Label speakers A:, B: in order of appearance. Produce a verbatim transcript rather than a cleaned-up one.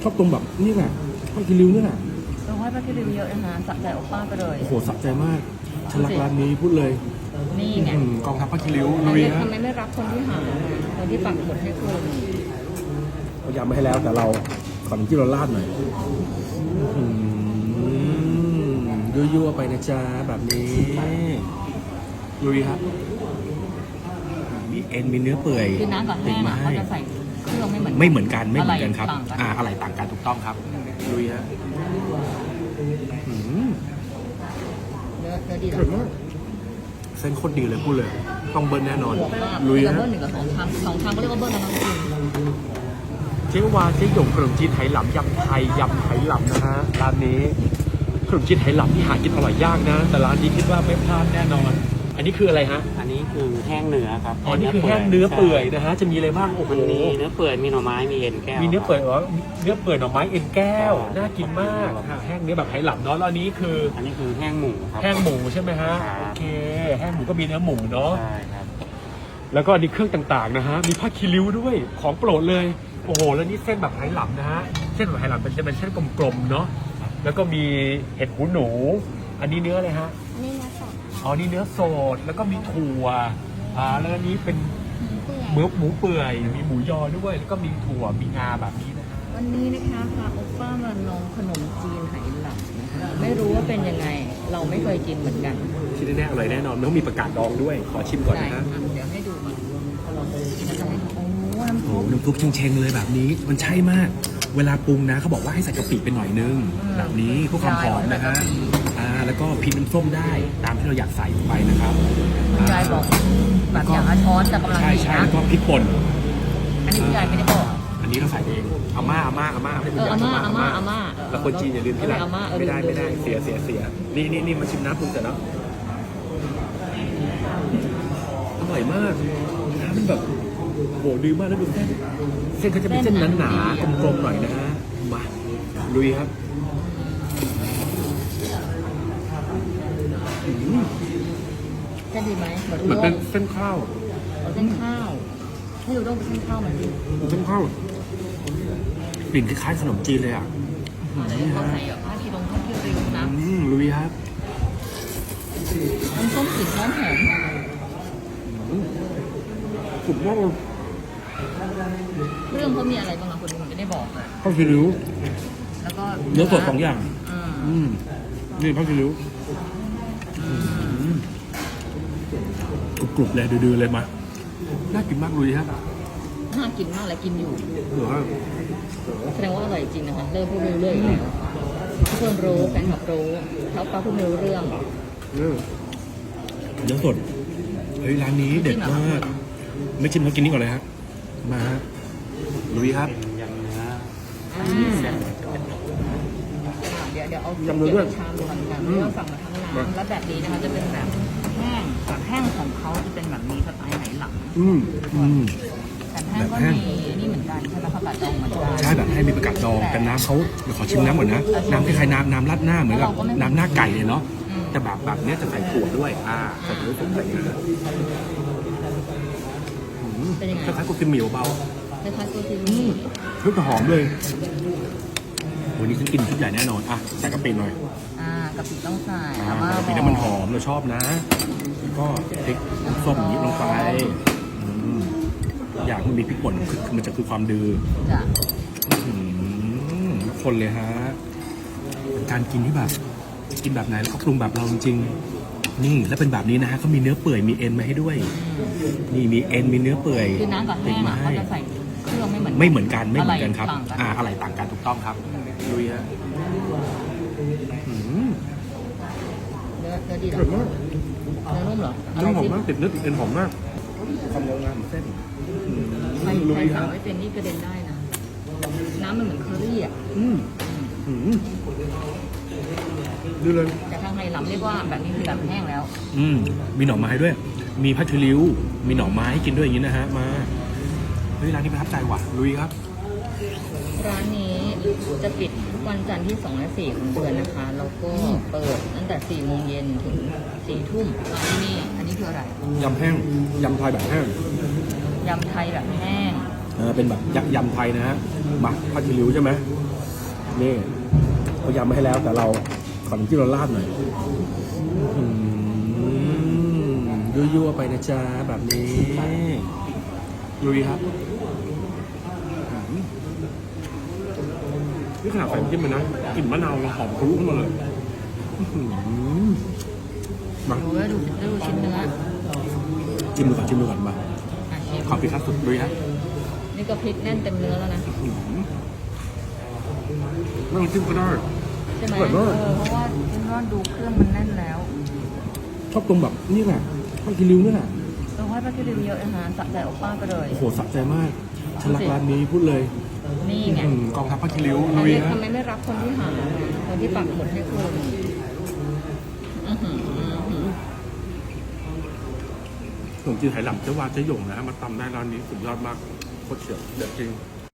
A: อบตรงแบบนี่แหละผ้าคีริ้วนี่แหละ
B: เราให้ป้าคิริวเยอะนะคะสะใจโอป้าไปเลย
A: โอ้โหสะใจมากฉันรักร้านนี้พูดเลย
B: นี่ไง
A: อืมกองทัพผ้าคีริ้ว
B: ทำ
A: ลุ
B: ไม
A: ยฮะ
B: ทำไมไม่รักคนที่หาคนที่ปักหมุดให้คุณ
A: เรายำมาให้แล้วแต่เราขอน้ำจิ้มเราลาดหน่อยอืมยั่วๆไปนะจ๊ะแบบนี้ลุยครับมีเอ็นมีเนื้อเปื่อย
B: คือน้ำกับแห้งอะเขาจะใส่เครื่องไม่เหมือน
A: ไม่เหมือนกันไม่เหมือนกันครับ
B: ต่างกัน
A: อ่าอะไรต่างกันถูกต้องครับลุยฮะอืม
B: เนื้อเนื้อดีเหร
A: เผ็ด
B: อ
A: มากเส้นโคตรดีเลยพูดเลยต้องเบิร์นแน่นอน
B: หัวมาก
A: ลุย
B: กับ
A: ฮะ
B: เบิ้ลหนึ่งกับสองชามสองชามก็เรียกว่าเบิ้ลแล้วนะคุณ
A: เจ๊วาเจ๊หยงขนมจีนไหหลำยำไทยยำไหหลำนะฮะร้านนี้ขนมจีนไหหลำที่หากินอร่อยยากนะ แต่ร้านนี้คิดว่าไม่พลาดแน่นอน อันนี้คืออะไรฮะ
C: อันนี้คือแห้งเนื้อครับ
A: อ๋อนี่คือแห้งเนื้อเปื่อยนะฮะจะมีอะไรบ้างโอ้โห
C: มันมีเนื้อเปื่อยมีหน่อไม้มีเอ็นแก้ว
A: มีเนื้อเปื่อยเหรอเนื้อเปื่อยหน่อไม้เอ็นแก้ว
C: ใช่
A: น่ากินมากฮะแห้งเนื้อแบบไหหลำเนาะแล้วอันนี้คือ
C: อันนี้คือแห้งหมูครับ
A: แห้งหมูใช่ไหมฮะ
C: ครับ
A: โอเคแห้งหมูก็มีเนื้อหมูเนาะ
C: ใช่ครับ
A: แล้วก็อันนี้เครื่องต่างๆนะฮะมีผ้าคีริ้วด้วยของโปรดเลยโอ้โหแล้วนี่เส้นแบบไหหลำนะฮะเส้นแบบไหหลำเป็นจะเป็นเส้นกลมๆเนาะแล้วก็มีเห็ดหูหนู อันนี้เนื้ออะไรฮะ
B: นี่นะสอง
A: อ๋อนี่เนื้อสดแล้วก็มีถั่วอ่าแล้วอันนี้เป็นเมือหมูเปื่อยมีหมูยอด้วยแล้วก็มีถั่วมีงาแบบนี้นะฮะ
B: วันนี้นะคะพาโอป้ามาลองขนมจีนไหหลำนะคะไม่รู้ว่าเป็นยังไง เราไม่เคยกินเหมือนกัน
A: ที่แน่ๆอร่อยแน่นอนต้องมีประกาศดองด้วยขอชิมก่อน
B: ได้
A: นะฮะ
B: อ่ะเดี๋ยวให้ดูก่อนเราจะให้ดูโอ้น้ำ
A: โอ้
B: ซุป
A: โหน้ำซุปเชงๆเลยแบบนี้มันใช่มาก เวลาปรุงนะเขาบอกว่าให้ใส่กะปิไปหน่อยนึง
B: อืม
A: แบบนี้เพื่อความหอมนะฮะ
B: ใช่
A: อ่าแล้วก็พริกน้ำส้มได้ตามที่เราอยากใส่ลงไปนะครับ
B: คุณยายบอกแบบอย่างละช้อนแต่กำลัง
A: ใช่
B: ดี
A: ใช่
B: นะ
A: แล้วก็พริกป่น
B: อันนี้คุณยายไม่ได้บอก
A: อันนี้เราใส่เองอาม่าอาม่าอาม่าให้คุณยาย
B: เอออาม่าอาม่าอาม่า
A: แล้วคนจีนอย่าลืมที่หลัง
B: เอออาม่าเออ
A: ไม่ได้
B: ลืม
A: ไม่ได้
B: ลืม
A: เสียเสียเสียนี่นี่นี่มาชิมน้ำปรุงเสร็จแล้วอร่อยมากน้ำมันแบบโหดีมากแล้วดูเส้นเส้นเขาจะเป็นเส้นหนาๆกลมๆหน่อยนะฮะมาลุยครับอืม
B: จะดีไหมเหมือน
A: เหมือน
B: ด้
A: เป็
B: ง
A: นเส้นข้าว
B: เอาเส้นข้าวให้ดูด้งเป็นเส้นข้าวเหมือนดิ
A: เส้นข้าวกลิ่นคล้ายๆขนมจีนเลยอ่ะ
B: แต่เขาใส่แบบผ้าคีรงผ้าคีริ้วนะ
A: อืมลุยครับ
B: น้ำส้มกลิ่นหอมหอม
A: สุดยอดเลย
B: เครื่องเขามีอะไรบ้างอะคุณผมจะได้บอกเลย
A: ข้าวคีริ้ว
B: แล้วก็
A: เนื้อสดสองอย่าง
B: อืม
A: อืมนี่ข้าวคีริ้วกรุบๆเลยดื้อๆเลยมาน่ากินมากลุยฮะ
B: น่ากินมากเลยกินอยู่
A: เหรอฮะ
B: แสดงว่าอร่อยจริงนะคะเริ่มพูดรู้เรื่องอีกแล้วทุกคนรู้แฟนคลับรู้เขาป้าพูดไม่รู้เรื่อง
A: เออเนื้อสดเฮ้ยร้านนี้เด็ดมากไม่ชิมแล้วกินนี่ก่อนเลยฮะมาฮะลุยครับ
C: เป็นยำเนื้อ
B: อ่า
C: เส้น
B: เดี๋ยวเดี๋ยวเอา
A: ยำเนื้อด้วย
B: ก็บชามก่อนกัน
A: อืม
B: เราสั่งมาทั้งร้านแล้วแบบนี้นะคะจะเป็นแบบแห้งแบบแห้งของเขาจะเป็นแบบมีสไตล์ไหนหลัง
A: อืมอืม
B: แต่แห้งก็
A: แบบแห้ง
B: มีนี่เหมือนกันใช่ไหมผักกาดดองเหมือนกัน
A: ใช่แบบให้มีประกาศดองแต่น้ำเขาเดี๋ยวขอชิมน้ำก่อนนะน้ำคล้ายๆน้ำน้ำราดหน้าเหมือนกับน้ำหน้าไก่เลยเนาะ
B: อืม
A: แต่แบบแบบเนี้ยจะใส่ถั่วด้วยอ่าใส่ถั่วสดใส่งาอืม
B: เป็นยังไง
A: คล้ายๆกุกิมเหมียวเบา
B: คล้ายๆตัวที่
A: อืมเฮ้ยแต่หอมเลยวันนี้ฉันกินชุดใหญ่แน่นอนอ่ะใส่กะปิหน่อย
B: อ่ากะปิต้องใส่
A: อ่า
B: อาม่าก
A: ะปิ
B: บ
A: นั้
B: อน
A: มันห
B: ก
A: อมเราชอบนะแล้วก็พริกน้ำส้มอย่างนี้ลงไปอืมอยากมันมีพริกป่นคือคือมันจะคือความดื้อ
B: จ้ะ
A: อืมทุกคนเลยฮะเป็นการกินที่แบบกินแบบไหนแล้วก็ปรุงแบบเราจริงๆนี่แล้วเป็นแบบนี้นะฮะเขามีเนื้อเปื่อยมีเอ็นมาให้ด้วย นี่มีเอ็นมีเนื้อเปื่อย
B: คือน้ำกับ
A: ติ
B: แห้
A: ด
B: ง
A: มา
B: อะ
A: ให้
B: เขาจะใส่เครื่องไม่เหมือน
A: ไม่เหมือนกันไม่เหมือนกันครับ
B: ะไต่างกัน
A: อ่าอะไรต่างกันถูกต้องครับลุยฮะอืม
B: เนื้อเนื้อดีเหร
A: อ
B: อ
A: ร่อยมาก
B: เนื้อนุ่มเหรอ
A: เนื้อหอมมากติดเนื้อติดเอ็นหอมมากความยาวนานของเส้นอืม
B: ใคร
A: ลุ
B: ใคร
A: ยค
B: สั่
A: รั
B: ง
A: บ
B: ไม่เป็นนี่กระเด็นได้นะ น้ำมันเหมือนเคอรี่อ่ะ
A: อืมอืมดูเลย
B: แต่ทางไทยล้ำเรียกว่าแบบนี้คือแบบแห้งแล้ว
A: อืมมีหน่อไม้ด้วย มีผัดคีริ้ว มีหน่อไม้ให้กินด้วยอย่างนี้นะฮะ มา เฮ้ยร้านนี้ประทับใจว่ะ ลุยครับ
B: ร้านนี้จะปิดทุกวันจันทร์ที่สองและสี่ของเดือนนะคะ แล้วก็เปิดตั้งแต่สี่โมงเย็นถึงสี่ทุ่มร้านนี้อันนี้คืออะไร
A: ยำแห้ง ยำไทยแบบแห้ง
B: ยำไทยแบบแห้ง
A: เออเป็นแบบยักษ์ยำไทยนะฮะมาผ้าคีริ้วใช่ไหมนี่เขายำมาให้แล้วแต่เราขอน้ำจิ้มเราราดหน่อยอืมยั่วๆไปนะจ๊ะแบบนี้ลุยครับอืมนี่ขนาดใส่น้ำจิ้มเลยนะกลิ่นมะนาวหอมทะลุขึ้นมาเลยอื้อหือมา
B: ดูแล้วดูดูชิ้นเนื้อ
A: จิ้มดูก่อนจิ้มดูก่อนมา
B: อ่ะชิม
A: ขอพริกขั้นสุดลุยฮะ
B: นี่ก็พริกแน่นเต็มเนื้อแล้วนะ
A: อื้อหือไม่ต้องจิ้มก็ได้
B: ใช่ไหม
A: อร่อย
B: เอ
A: มาก
B: อเพราะว่าชิ้นว่าดูเครื่องมันแน่นแล้ว
A: ชอบตรงแบบนี่แหละผ้าคีริ้วนี่แหละ
B: เราให้ป้าคิริวเยอะนะคะสะใจโอป้าไปเลย
A: โอ้โหสะใจมากฉันรักร้านนี้พูดเลย
B: นี่ไง
A: อืมกองทัพผ้าคีริ้ว
B: ทำ
A: ลุ
B: ไม
A: ยฮะ
B: ทำไมไม่รับคนที่หาคนที่ปักหมุดให้คุณอื้อหืออื้อหือ
A: ขนมจีนไหหลำเจ๊วาเจ๊หยงนะฮะมาตำได้ร้านนี้สุดยอดมากโคตรเฉียวเด็ดจริง